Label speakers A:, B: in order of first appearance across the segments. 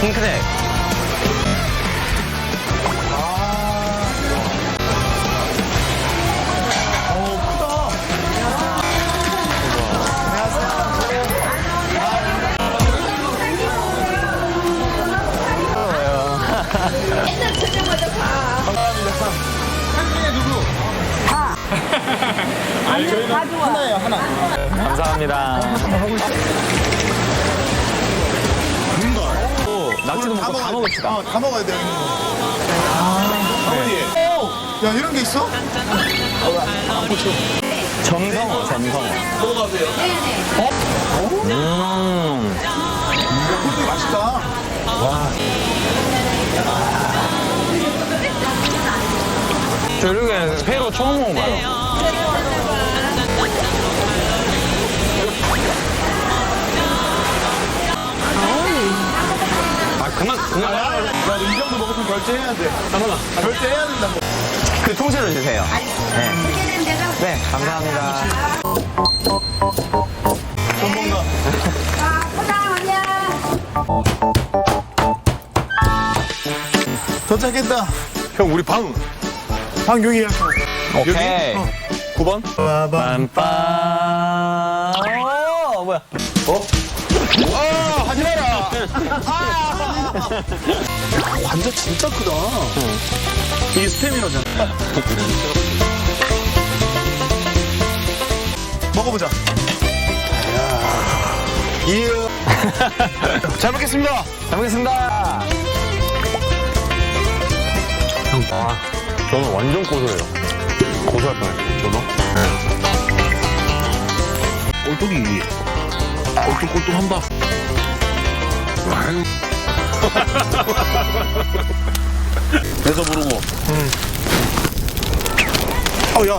A: 핑크색.
B: 아니, 저희는 하나예요, 하나.
A: 감사합니다. 낙지도 먹고 다 먹읍시다.
B: 다 먹어야 돼. 야, 이런 게 있어?
A: 점성어, 점성어.
B: 먹어가세요.
A: 음.
B: 맛있다.
A: 와. 저 이렇게 회로 처음 먹어봐요. 아, 그만.
B: 나 이 정도 먹었으면 결제해야 돼.
A: 잠깐만.
B: 결제해야 된다고.
A: 그 통째로 주세요. 네. 네, 감사합니다.
B: 전문가. 도착했다. 형, 우리 방 여기야.
A: 오케이.
B: 9번?
A: 빰빰. 뭐야?
B: 하지 마라. 관자 진짜 크다. 이게 스테미너잖아. 먹어보자. 잘 먹겠습니다.
A: 잘 먹겠습니다. 형, 저는 완전 고소해요. 고소할 뻔했어요, 저도.
B: 꼴뚜기. 꼴뚜꼴뚜한다. 배서 부르고. 야.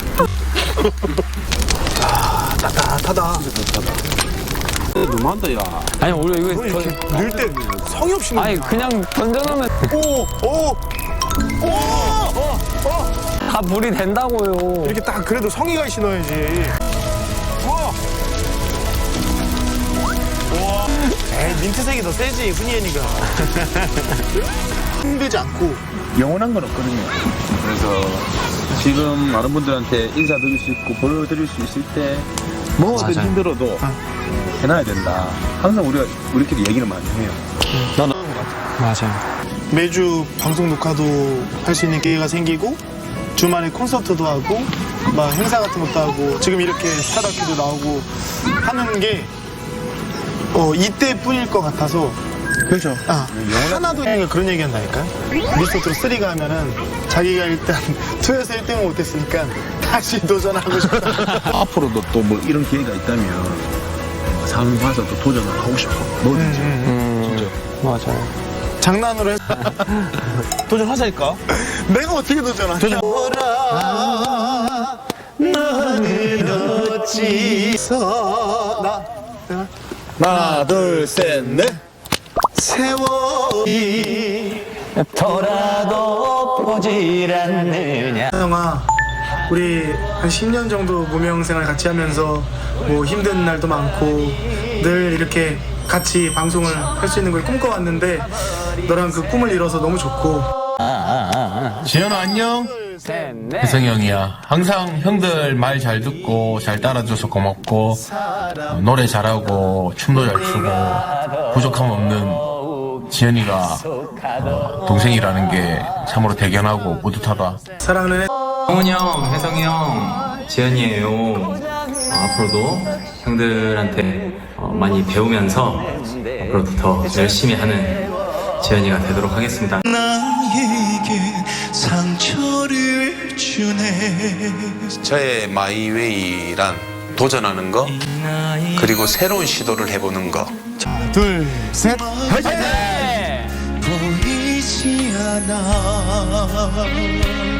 B: 따뜻하다. 너무한다, 야.
A: 아니, 원래 이거
B: 넣을 때 성의 없이 넣는
A: 아니, 그냥 던져놓으면 다 물이 된다고요.
B: 이렇게 딱 그래도 성의가 있이 넣어야지. 에이, 민트색이 더 세지, 훈이애니가. 힘들지 않고.
C: 영원한 건 없거든요. 그래서 지금 많은 분들한테 인사드릴 수 있고 보여드릴 수 있을 때 뭐든
A: 맞아요.
C: 힘들어도 해놔야 된다. 항상 우리끼리 얘기를 많이 해요.
A: 맞아요.
B: 매주 방송 녹화도 할 수 있는 기회가 생기고 주말에 콘서트도 하고 막 행사 같은 것도 하고 지금 이렇게 스타다큐도 나오고 하는 게 이때뿐일 것 같아서 그렇죠. 하나도 그런 얘기 한다니까. 리스트로 3가 하면은 자기가 일단 2에서 1등을 못했으니까 다시 도전하고 싶다.
C: 앞으로도 또 뭐 이런 기회가 있다면 상황 봐서 또 도전을 하고 싶어. 뭐든지. 진짜.
A: 맞아요.
B: 장난으로 했어.
C: 도전하자니까.
B: 내가 어떻게 도전하냐. 너는 어찌서
C: 하나, 둘, 셋, 넷.
B: 세월이
A: 더라도 보질 않느냐.
B: 형아, 우리 한 10년 정도 무명 생활 같이 하면서 뭐 힘든 날도 많고 늘 이렇게 같이 방송을 할 수 있는 걸 꿈꿔왔는데 너랑 그 꿈을 이뤄서 너무 좋고.
D: 지현아 안녕.
A: 셋, 넷.
D: 혜성이 형이야. 항상 형들 말 잘 듣고 잘 따라줘서 고맙고 노래 잘하고 춤도 잘 추고 부족함 없는 지현이가 동생이라는 게 참으로 대견하고 뿌듯하다.
B: 사랑하는
E: 성훈이 형, 혜성이 형, 지현이에요. 앞으로도 형들한테 많이 배우면서 앞으로도 더 열심히 하는 지현이가 되도록 하겠습니다.
F: 나에게 상처를 주네.
G: 저의 마이웨이란 도전하는 거 그리고 새로운 시도를 해보는 거.
B: 둘, 셋,
F: 보이지 않아.